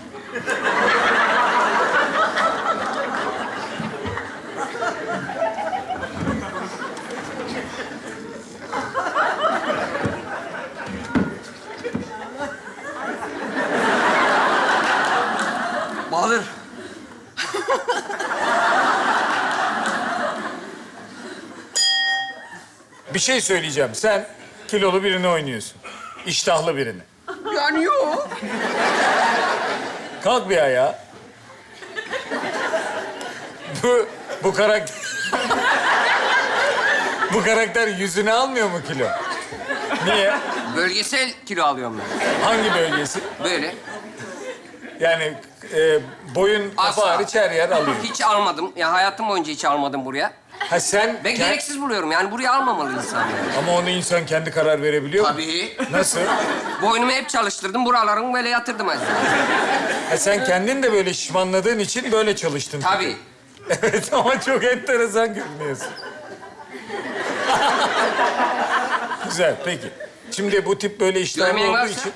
Bahadır. Bir şey söyleyeceğim. Sen kilolu birini oynuyorsun. İştahlı birini. Yani yok. Kalk bir ayağa. Bu karakter... Bu karakter yüzüne almıyor mu kilo? Niye? Bölgesel kilo alıyorum ben. Hangi bölgesi? Böyle. Yani boyun, kafa Asla. hariç her yer alıyor. Hiç almadım. Ya hayatım boyunca hiç almadım buraya. Ha sen... Ben gereksiz buluyorum. Yani buraya almamalı insan. Yani. Ama onu insan kendi karar verebiliyor mu? Tabii. Nasıl? Boynumu hep çalıştırdım. Buralarımı böyle yatırdım aslında. Ha sen kendin de böyle şişmanladığın için böyle çalıştın. Tabii. Evet ama çok enteresan görünüyorsun. Güzel, peki. Şimdi bu tip böyle işler Görmeyen olduğu varsa? için...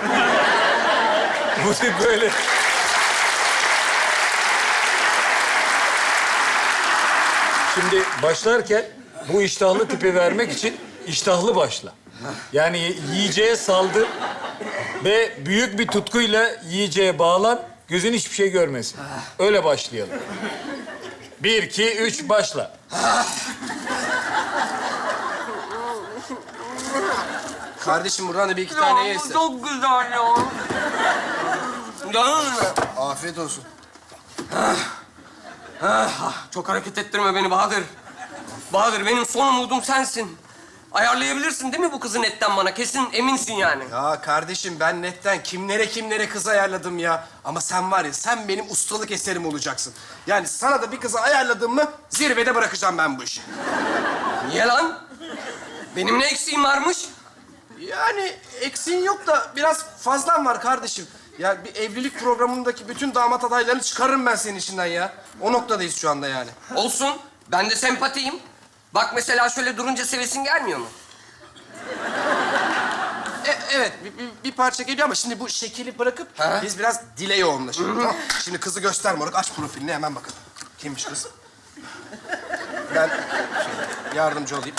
Bu tip böyle... Şimdi başlarken bu iştahlı tipi vermek için iştahlı başla. Yani yiyeceğe saldır ve büyük bir tutkuyla yiyeceğe bağlan, gözün hiçbir şey görmesin. Öyle başlayalım. 1, 2, 3, başla. Kardeşim buradan da bir iki tane ye. Çok güzel ya. Canım benim. Afiyet olsun. Çok hareket ettirme beni Bahadır. Bahadır benim son umudum sensin. Ayarlayabilirsin değil mi bu kızı netten bana? Kesin eminsin yani. Ya kardeşim ben netten kimlere kız ayarladım ya. Ama sen var ya sen benim ustalık eserim olacaksın. Yani sana da bir kızı ayarladım mı zirvede bırakacağım ben bu işi. Niye lan? Benim ne eksiğim varmış? Yani eksiğin yok da biraz fazlan var kardeşim. Ya bir evlilik programındaki bütün damat adaylarını çıkarırım ben senin içinden ya. O noktadayız şu anda yani. Olsun. Ben de sempatiyim. Bak mesela şöyle durunca sevesin gelmiyor mu? Evet bir parça geliyor ama şimdi bu şekili bırakıp Ha? biz biraz dile yoğunlaşalım. Tamam? Şimdi kızı göster moruk. Aç profilini hemen bakalım. Kimmiş kız? Ben yardımcı olayım.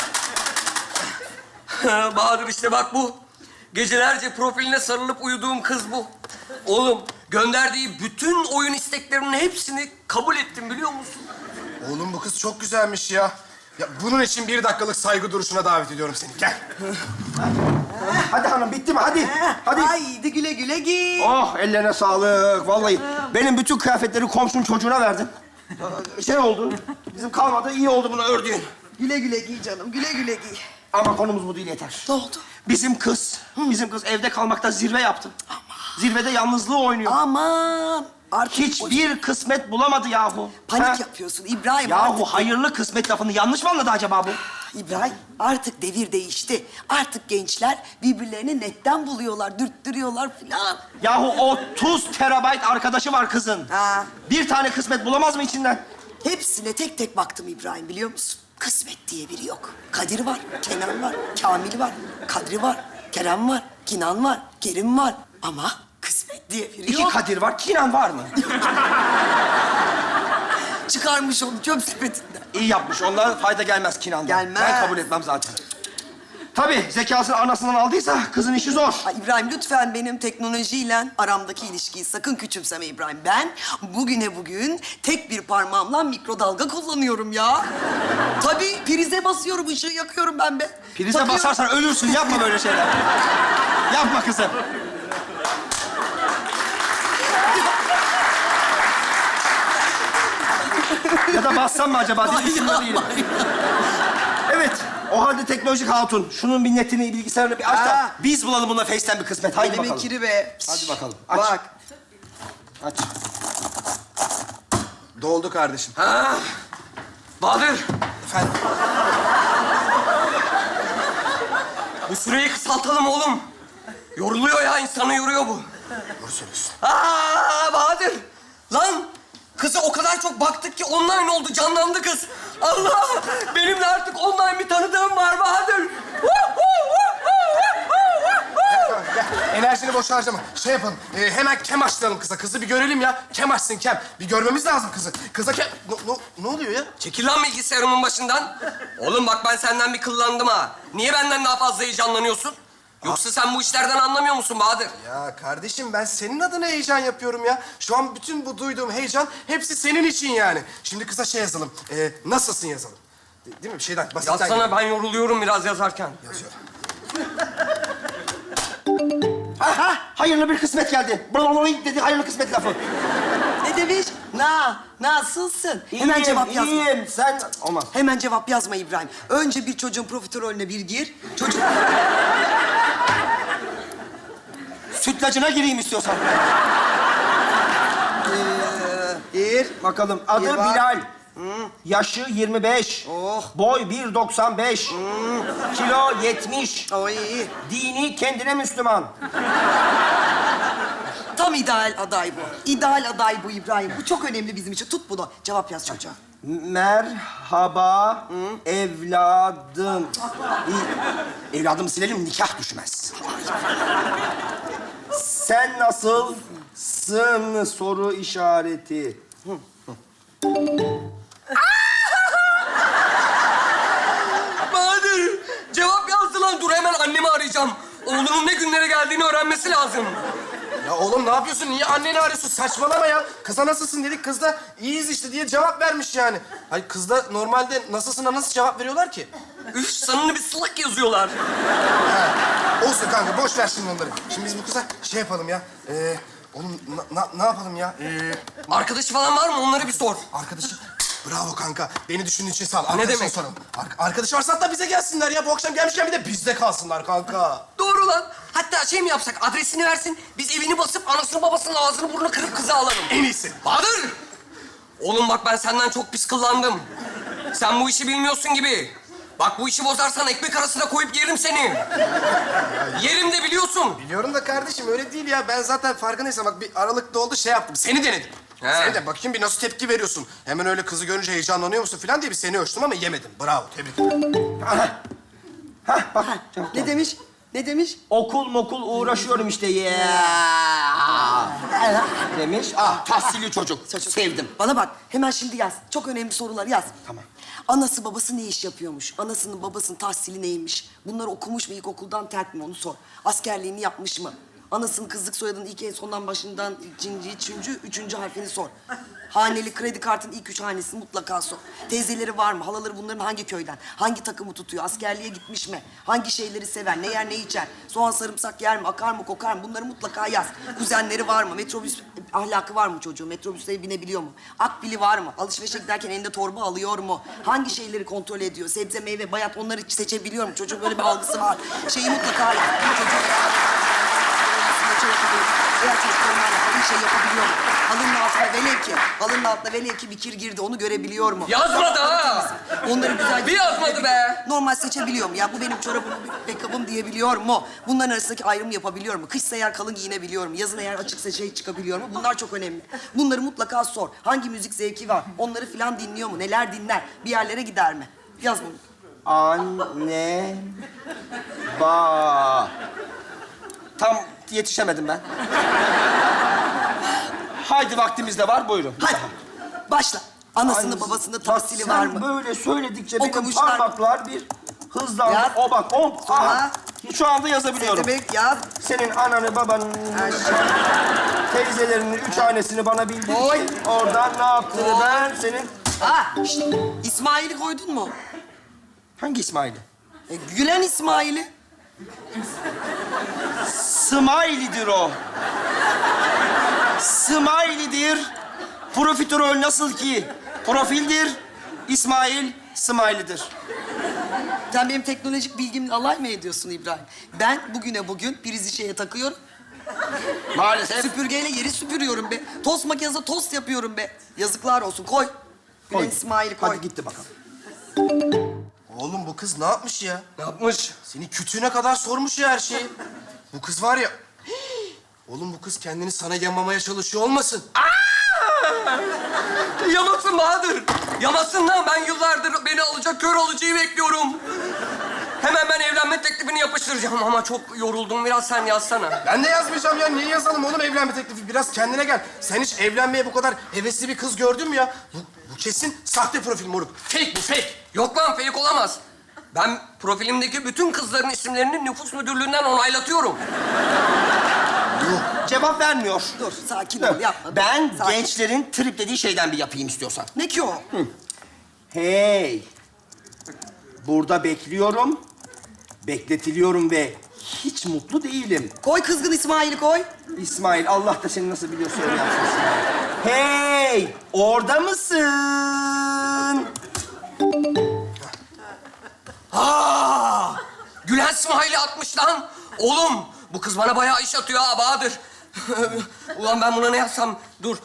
Bahadır işte bak bu. Gecelerce profiline sarılıp uyuduğum kız bu. Oğlum gönderdiği bütün oyun isteklerinin hepsini kabul ettim biliyor musun? Oğlum bu kız çok güzelmiş ya. Ya bunun için 1 dakikalık saygı duruşuna davet ediyorum seni. Gel. Hadi hanım bitti mi? Hadi. Hadi. Haydi güle güle giy. Oh ellerine sağlık. Vallahi benim bütün kıyafetleri komşunun çocuğuna verdim. Şey oldu. Bizim kalmadı. İyi oldu bunu ördüğün. Güle güle giy canım, güle güle giy. Ama konumuz bu değil yeter. Ne oldu? Bizim kız evde kalmakta zirve yaptı. Zirvede yalnızlığı oynuyor. Aman. Artık Hiçbir kısmet bulamadı yahu. panik Ha? yapıyorsun İbrahim. Yahu artık. hayırlı kısmet lafını yanlış mı anladı acaba bu? İbrahim artık devir değişti. Artık gençler birbirlerini netten buluyorlar, dürttürüyorlar filan. Yahu 30 terabayt arkadaşı var kızın. Ha. Bir tane kısmet bulamaz mı içinden? Hepsine tek tek baktım İbrahim biliyor musun? Kısmet diye biri yok. Kadir var, Kenan var, Kamil var, Kadri var, Kerem var, Kinan var, Kerim var. Ama kısmet diye biri İki yok. Kadir var, Kinan var mı? Çıkarmış onu çöp sepetinden. İyi yapmış. Ondan fayda gelmez Kinan'dan. Gelmez. Ben kabul etmem zaten. Tabii zekasını anasından aldıysa kızın işi zor. Ay İbrahim lütfen benim teknolojiyle aramdaki ilişkiyi sakın küçümseme İbrahim. Ben bugüne bugün tek bir parmağımla mikrodalga kullanıyorum ya. Tabii prize basıyorum, ışığı yakıyorum ben be. Prize Takıyorum. basarsan ölürsün. Yapma böyle şeyler. Yapma kızım. Ya da bassam mı acaba? Düşünmüyor değilim. Evet. O halde teknolojik hatun. Şunun bir netini, bilgisayarını bir aç da Ha. biz bulalım bununla Face'ten bir kısmet. Haydi Elimin bakalım. kiri be. Hadi bakalım. Aç. Bak. Aç. Doldu kardeşim. Bahadır Efendim? bu süreyi kısaltalım oğlum. Yoruluyor ya insanı yoruyor bu. Doğru söylüyorsun. Bahadır. Lan kızı o kadar çok baktık ki online oldu, canlandı kız. Allah! Benim de artık online bir tanıdığım var Bahadır. Gel. Enerjini boş harcama. Şey yapalım, hemen kem açtıralım kıza. Kızı bir görelim ya. Kem açsın kem. Bir görmemiz lazım kızı. Kıza kem... Ne oluyor ya? Çekil lan bilgisayarımın başından. Oğlum bak ben senden bir kıllandım ha. Niye benden daha fazla heyecanlanıyorsun? Yoksa sen bu işlerden anlamıyor musun Bahadır? Ya kardeşim ben senin adına heyecan yapıyorum ya. Şu an bütün bu duyduğum heyecan hepsi senin için yani. Şimdi kıza şey yazalım. Nasılsın yazalım. Değil mi? Bir şeyden basitten Yazsana, gidelim. ben yoruluyorum biraz yazarken. Yazıyorum. Aha, hayırlı bir kısmet geldi. Blablabla dedi, hayırlı kısmet lafı. Ne demiş? Nasılsın? Hemen İyiyim, cevap yazma. iyiyim. Sen... Olmaz. Hemen cevap yazma İbrahim. Önce bir çocuğun profiterolüne bir gir. Çocuk... Sütlacına gireyim istiyorsan. Gir bakalım. Adı Gir bak. Bilal. Yaşı 25. Oh. Boy 1.95. Kilo 70. Oy. Dini kendine Müslüman. Tam ideal aday bu. İdeal aday bu İbrahim. Bu çok önemli bizim için. Tut bunu. Cevap yaz çocuğa. Merhaba evladım. Evladımı silelim, nikah düşmez. Sen nasılsın soru işareti. Bahadır! Cevap yazdı lan. Dur hemen annemi arayacağım. Oğlunun ne günlere geldiğini öğrenmesi lazım. Ya oğlum ne yapıyorsun? Niye anneni arıyorsun? Saçmalama ya. Kıza nasılsın dedik. Kız da iyiyiz işte diye cevap vermiş yani. Hayır kızda normalde nasılsına nasıl cevap veriyorlar ki? Üf, sanını bir salak yazıyorlar. Olsun kanka boş ver şimdi onları. Şimdi biz bu kıza şey yapalım ya. Oğlum ne yapalım ya? Arkadaşı falan var mı? Onları bir sor. Arkadaşı... Bravo kanka. Beni düşündüğün için sağ ol. Arkadaşına demek? soralım. Arkadaşı varsa hatta bize gelsinler ya. Bu akşam gelmişken bir de bizde kalsınlar kanka. Doğru lan. Hatta şey mi yapsak? Adresini versin. Biz evini basıp anasını babasının ağzını burnunu kırıp kızı alalım. En iyisi. Bahadır! Oğlum bak ben senden çok pis kıllandım. Sen bu işi bilmiyorsun gibi. Bak bu işi bozarsan ekmek arasına koyup yerim seni. Yerim de biliyorsun. Biliyorum da kardeşim öyle değil ya. Ben zaten farkındaysam bak bir aralıkta oldu şey yaptım. Seni denedim. He. Seni de bakayım bir nasıl tepki veriyorsun. Hemen öyle kızı görünce heyecanlanıyor musun falan diye bir seni ölçtüm ama yemedim. Bravo, tebrik ederim. Hah bak. Ne demiş? Ne demiş? Okul mokul uğraşıyorum işte. Demiş. Ah tahsilli çocuk. Sevdim. Bana bak. Hemen şimdi yaz. Çok önemli sorular yaz. Tamam. Anası babası ne iş yapıyormuş? Anasının babasının tahsili neymiş? Bunları okumuş mu ilkokuldan terk mi onu sor. Askerliğini yapmış mı? Anasının kızlık soyadının ilk en sondan başından üçüncü harfini sor. Haneli kredi kartının ilk 3 hanesini mutlaka sor. Teyzeleri var mı? Halaları bunların hangi köyden? Hangi takımı tutuyor? Askerliğe gitmiş mi? Hangi şeyleri sever? Ne yer ne içer? Soğan sarımsak yer mi? Akar mı kokar mı? Bunları mutlaka yaz. Kuzenleri var mı? Metrobüs ahlakı var mı çocuğun? Metrobüse binebiliyor mu? Akbili var mı? Alışverişe giderken elinde torba alıyor mu? Hangi şeyleri kontrol ediyor? Sebze, meyve, bayat onları seçebiliyor mu? Çocuğun böyle bir algısı var. Şeyi mutlaka yaz. Çocuğun eğer çocuk normalde halın şey yapabiliyor mu? Halının altına velev ki bir kir girdi, onu görebiliyor mu? Yazmadı ha! Onları güzel... Bir yazmadı be! Normal seçebiliyor mu? Ya bu benim çorabım, bu backup'ım diyebiliyor mu? Bunların arasındaki ayrımı yapabiliyor mu? Kışsa eğer kalın giyinebiliyor mu? Yazın eğer açıksa şey çıkabiliyor mu? Bunlar çok önemli. Bunları mutlaka sor. Hangi müzik zevki var? Onları filan dinliyor mu? Neler dinler? Bir yerlere gider mi? Yaz bunu. Anne, Tam yetişemedim ben. Haydi vaktimiz de var, buyurun. Hadi. Başla. Anasının Ay, babasının bak tahsili sen var mı? böyle söyledikçe benim Okumuşlar. parmaklar bir hızlandı. Yaz. O bak, o. Sonra. Aha, şu anda yazabiliyorum. Demek yaz. Senin ananı, babanın, teyzelerinin 3 hanesini bana bildir. Oy. Oradan ne yaptığını Oy. ben senin... Şşt, İsmail'i koydun mu? Hangi İsmail'i? Gülen İsmail'i. Smiley'dir o. Smiley'dir. Profiterol nasıl ki profildir. İsmail, Smiley'dir. Sen benim teknolojik bilgimle alay mı ediyorsun İbrahim? Ben bugüne bugün prizi şeye takıyorum. Maalesef. Süpürgeyle yeri süpürüyorum be. Tost makinesinde tost yapıyorum be. Yazıklar olsun. Koy. Gülen Koy. İsmail'i koy. Hadi gitti bakalım. Oğlum bu kız ne yapmış ya? Ne yapmış? Senin kütüğüne kadar sormuş ya her şeyi. Bu kız var ya... Oğlum bu kız kendini sana yamamaya çalışıyor olmasın? Yamasın Bahadır. Yamasın lan. Ben yıllardır beni alacak kör alıcıyı bekliyorum. Hemen ben evlenme teklifini yapıştıracağım ama çok yoruldum. Biraz sen yazsana. Ben de yazmayacağım ya. Niye yazalım oğlum evlenme teklifi? Biraz kendine gel. Sen hiç evlenmeye bu kadar hevesli bir kız gördün mü ya? Bu kesin sahte profil moruk. Fake bu, fake. Yok lan, fake olamaz. Ben profilimdeki bütün kızların isimlerini nüfus müdürlüğünden onaylatıyorum. Cevap vermiyor. Dur, sakin ol, yapma. Ben Sakin. gençlerin trip dediği şeyden bir yapayım istiyorsan. Ne ki o? Hey! Burada bekliyorum, bekletiliyorum ve hiç mutlu değilim. Koy kızgın İsmail'i koy. İsmail, Allah da seni nasıl biliyorsa öyle yapsın İsmail. Hey! Orada mısın? Gülen İsmail'i atmış lan. Oğlum, bu kız bana bayağı iş atıyor ha Bahadır. Ulan ben buna ne yazsam? Dur.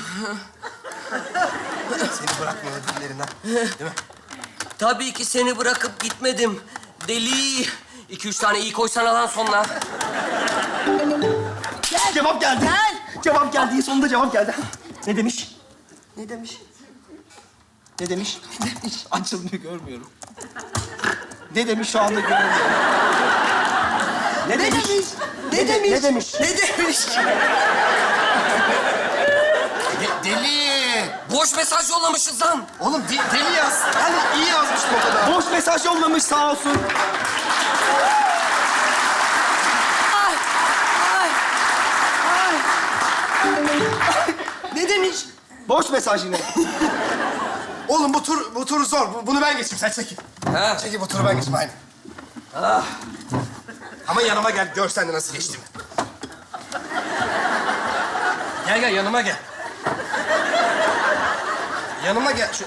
Seni bırakmıyor dillerinden. Değil mi? Tabii ki seni bırakıp gitmedim. Deli. 2-3 tane iyi koysana lan sonuna. Cevap geldi. Gel. Cevap geldi. Sonunda cevap geldi. Ne demiş? Ne demiş? Ne demiş? Ne demiş? Açılmıyor, görmüyorum. Ne demiş şu anda görmüyorum. Ne demiş? Ne demiş? Ne demiş? Ne demiş? Deli. Boş mesaj yollamışız lan. Oğlum deli yaz. Hani iyi yazmıştım o kadar. Boş mesaj yollamış sağ olsun. Ay, ay, ay. Ne demiş? Boş mesaj yine. Oğlum bu tur zor. Bunu ben geçeyim. Sen çekil. Ha. Çekil bu turu ben geçeyim aynen. Ama yanıma gel. Gör sen de nasıl geçtiğimi. Gel yanıma gel. Yanıma gel. Şu...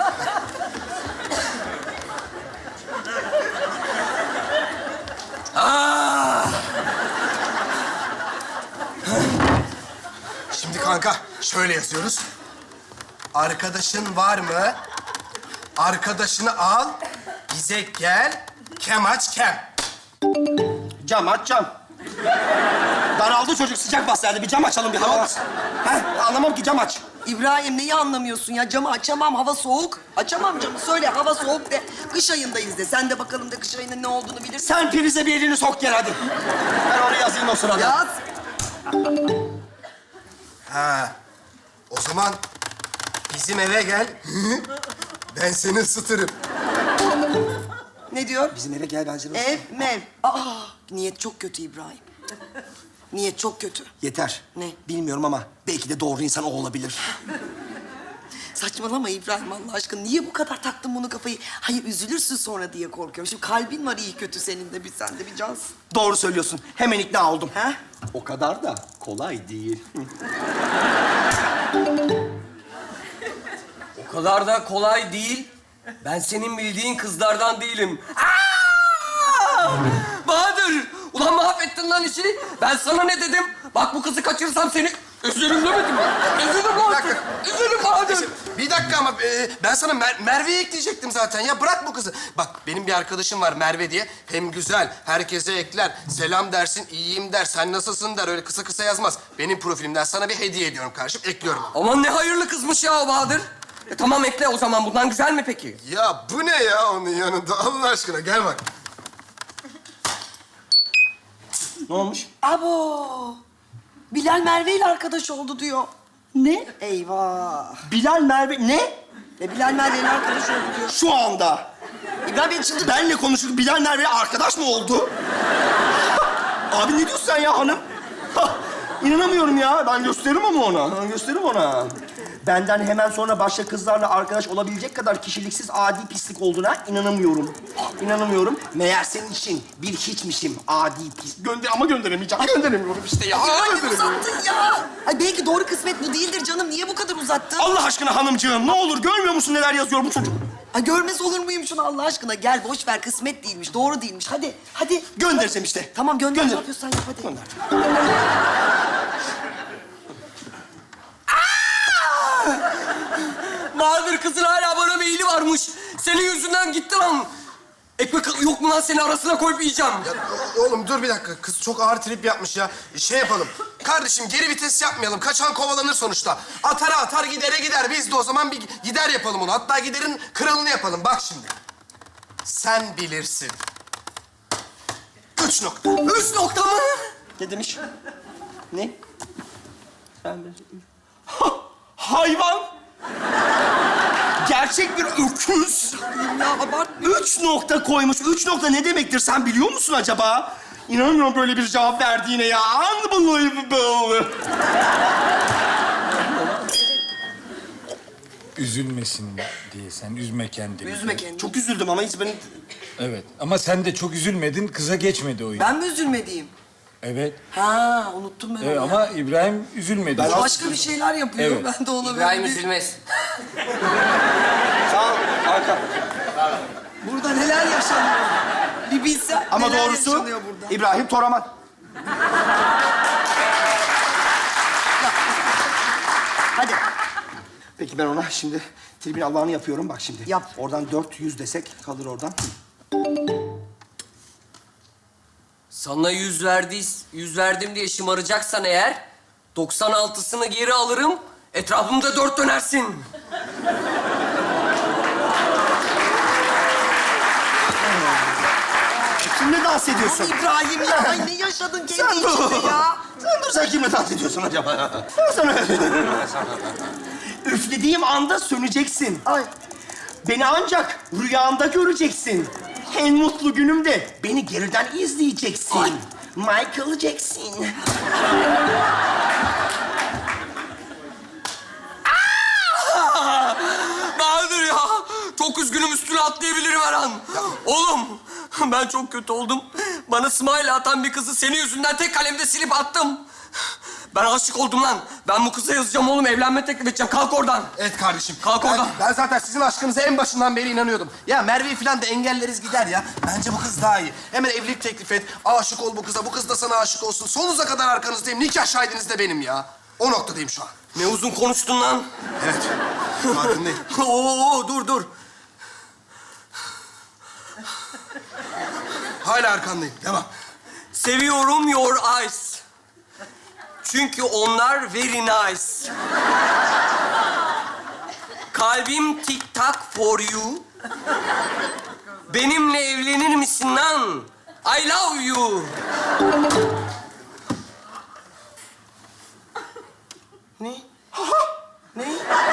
Şimdi kanka şöyle yazıyoruz. Arkadaşın var mı? Arkadaşını al. Bize gel. Kem aç kem. Cam aç cam. Daraldı çocuk, sıcak bastı. Bir cam açalım, bir hava. Heh, anlamam ki, cam aç. İbrahim neyi anlamıyorsun ya? Camı açamam, hava soğuk. Açamam camı, söyle hava soğuk de. Kış ayındayız de. Sen de bakalım da kış ayının ne olduğunu bilirsin. Sen prize bir elini sok gel hadi. Ben oraya yazayım o sırada. Yaz. Ha. O zaman bizim eve gel. Ben seni ısıtırım. Ne diyor? Bizim eve gel, ben seni... Ev, mev. Aa, niyet çok kötü İbrahim. Niyet çok kötü. Yeter. Ne? Bilmiyorum ama belki de doğru insan o olabilir. Saçmalama İbrahim Allah aşkına. Niye bu kadar taktın bunu kafayı? Hayır üzülürsün sonra diye korkuyorum. Şimdi kalbin var iyi kötü senin de, bir sen de bir cansın. Doğru söylüyorsun. Hemen ikna oldum. Ha? O kadar da kolay değil. O kadar da kolay değil. Ben senin bildiğin kızlardan değilim. Bahadır! Ulan mahvettin lan işi. Ben sana ne dedim? Bak bu kızı kaçırırsam seni üzülürüm demedim mi? Üzülürüm lan. dakika. Üzülürüm Bahadır. Bir dakika ama ben sana Merve'yi ekleyecektim zaten. Ya bırak bu kızı. Bak benim bir arkadaşım var Merve diye. Hem güzel, herkese ekler. Selam dersin, iyiyim der, sen nasılsın der. Öyle kısa kısa yazmaz. Benim profilimden sana bir hediye ediyorum kardeşim. Ekliyorum. Aman ne hayırlı kızmış ya o Bahadır. Tamam ekle o zaman. Bundan güzel mi peki? Ya bu ne ya onun yanında? Allah aşkına gel bak. Ne olmuş? Abo! Bilal Merve ile arkadaş oldu diyor. Ne? Eyvah! Bilal Merve... Ne? Bilal Merve ile arkadaş oldu diyor. Şu anda. İbrahim beni çıldırdı. Benle konuşup Bilal Merve'yle arkadaş mı oldu? Abi ne diyorsun sen ya hanım? İnanamıyorum ya. Ben gösteririm ama ona. Ben gösteririm ona. Benden hemen sonra başka kızlarla arkadaş olabilecek kadar kişiliksiz adi pislik olduğuna inanamıyorum. İnanamıyorum. Meğer senin için bir hiçmişim. Adi pis. Ama gönderemeyeceğim. Gönderemiyorum işte ya. Ay ne Gönderemiyorum. uzattın ya? Ay belki doğru kısmet bu değildir canım. Niye bu kadar uzattın? Allah aşkına hanımcığım ne olur görmüyor musun neler yazıyor bu çocuk? Ay görmez olur muyum şunu Allah aşkına? Gel boş ver, kısmet değilmiş, doğru değilmiş. Hadi, hadi. Göndereceğim işte. Tamam gönder. Gönder. Ne yapıyorsan yap hadi. Gönder. Bahadır kızın hala bana meyili varmış. Senin yüzünden gitti lan. Ekmek yok mu lan seni arasına koyup yiyeceğim. Ya, oğlum dur bir dakika. Kız çok ağır trip yapmış ya. Şey yapalım. Kardeşim geri vites yapmayalım. Kaçan kovalanır sonuçta. Atara atar gidere gider. Biz de o zaman bir gider yapalım onu. Hatta giderin kralını yapalım. Bak şimdi. Sen bilirsin. 3 nokta. 3 nokta mı? Ne demiş? Ne? Hayvan! Gerçek bir öküz. Ya abartma. 3 nokta koymuş. 3 nokta ne demektir sen biliyor musun acaba? İnanamıyorum böyle bir cevap verdiğine ya. Unbelievable. Üzülmesin diye sen üzme kendini. Üzme kendini. Çok üzüldüm ama hiç beni... Evet ama sen de çok üzülmedin, kıza geçmedi oyun. Ben mi üzülmediğim? Evet. Ha, unuttum ben onu. Ama İbrahim üzülmedi. O başka bir şeyler yapıyor. Evet. Ben de ona İbrahim böyle bir- üzülmez. Sağ ol. Arka. Burada neler yaşanıyor? Bir bilsen Ama neler doğrusu yaşanıyor burada. İbrahim Toraman. Hadi. Peki ben ona şimdi tribün Allah'ını yapıyorum. Bak şimdi. Yap. Oradan 400 desek kalır oradan. Sana 100 verdim diye şımaracaksan eğer 96'sını geri alırım. Etrafımda 4 dönersin. Kimle dans ediyorsun? İbrahim ya, ay ne yaşadın Sen kendi dur. içinde ya? Sen dur, sen kimle dans ediyorsun acaba? Ben sana... Üflediğim anda söneceksin. Ay. Beni ancak rüyanda göreceksin. En mutlu günümde beni geriden izleyeceksin. Ay. Michael Jackson. Bahadır ya. Çok üzgünüm, üstüne atlayabilirim her an. Oğlum ben çok kötü oldum. Bana smile atan bir kızı senin yüzünden tek kalemde silip attım. Ben aşık oldum lan. Ben bu kıza yazacağım oğlum. Evlenme teklif edeceğim. Kalk oradan. Evet kardeşim. Kalk oradan. Ben zaten sizin aşkınıza en başından beri inanıyordum. Ya Merve'yi falan da engelleriz gider ya. Bence bu kız daha iyi. Hemen evlilik teklif et. Aşık ol bu kıza. Bu kız da sana aşık olsun. Sonunuza kadar arkanızdayım. Nikah şahidiniz de benim ya. O noktadayım şu an. Ne uzun konuştun lan. Evet. Farkındayım. Oo, dur. Hala arkandayım. Devam. Seviyorum your eyes. Çünkü onlar very nice. Kalbim tik tak for you. Benimle evlenir misin lan? I love you. Ne? Ne?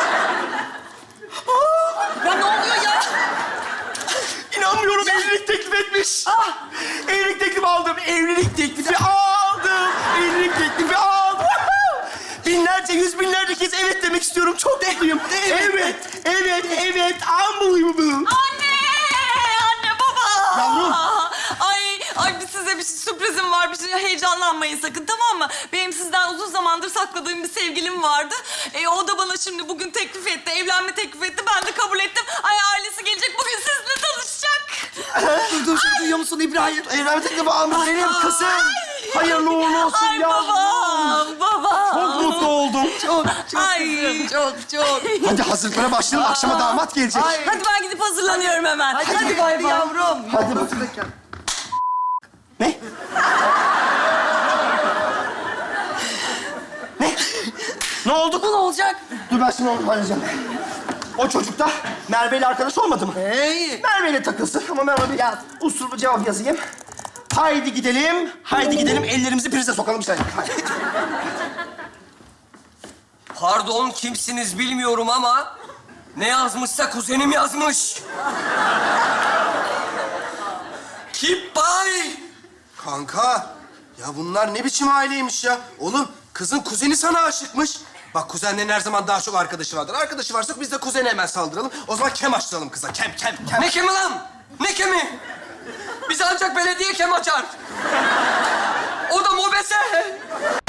Ya ne oluyor ya? İnanmıyorum, evlilik teklif etmiş. Evlilik teklifi aldım. Evlilik teklifi aldım. Evlilik teklifi aldım. Binlerce, yüz binlerce kez evet demek istiyorum. Çok mutluyum. Evet. Unbelievable. Anne baba. Yavrum. Ay size bir sürprizim var. Bir şey heyecanlanmayın sakın, tamam mı? Benim sizden uzun zamandır sakladığım bir sevgilim vardı. O da bana şimdi bugün teklif etti. Evlenme teklif etti. Ben de kabul ettim. Ay ailesi gelecek. Bugün sizinle tanışacak. Dur, duyuyor musun İbrahim? Evlilik teklifi almış benim kızım. Hayırlı uğurlu olsun Ay yavrum. baba. Çok mutlu oldum. Ay. Çok. Hadi hazırlıklara başlayalım. Akşama damat gelecek. Hadi ben gidip hazırlanıyorum hemen. Hadi bay yavrum. Hadi bakalım. Ne? Ne oldu? Bu ne olacak? Dur ben şimdi onu halledeceğim. O çocuk da Merve ile arkadaş olmadı mı? Hey. Merve ile takılsın ama ben ona bir usulü cevap yazayım. Haydi gidelim, ellerimizi prize sokalım işte. Haydi. Pardon, kimsiniz bilmiyorum ama ne yazmışsa kuzenim yazmış. Keep by. Kanka. Ya bunlar ne biçim aileymiş ya? Oğlum kızın kuzeni sana aşıkmış. Bak kuzenlerin her zaman daha çok arkadaşı vardır. Arkadaşı varsa biz de kuzene hemen saldıralım. O zaman kem açtıralım kıza. Kem. Ne kemi lan? Ne kemi? Bize ancak belediye kem açar. O da mobese.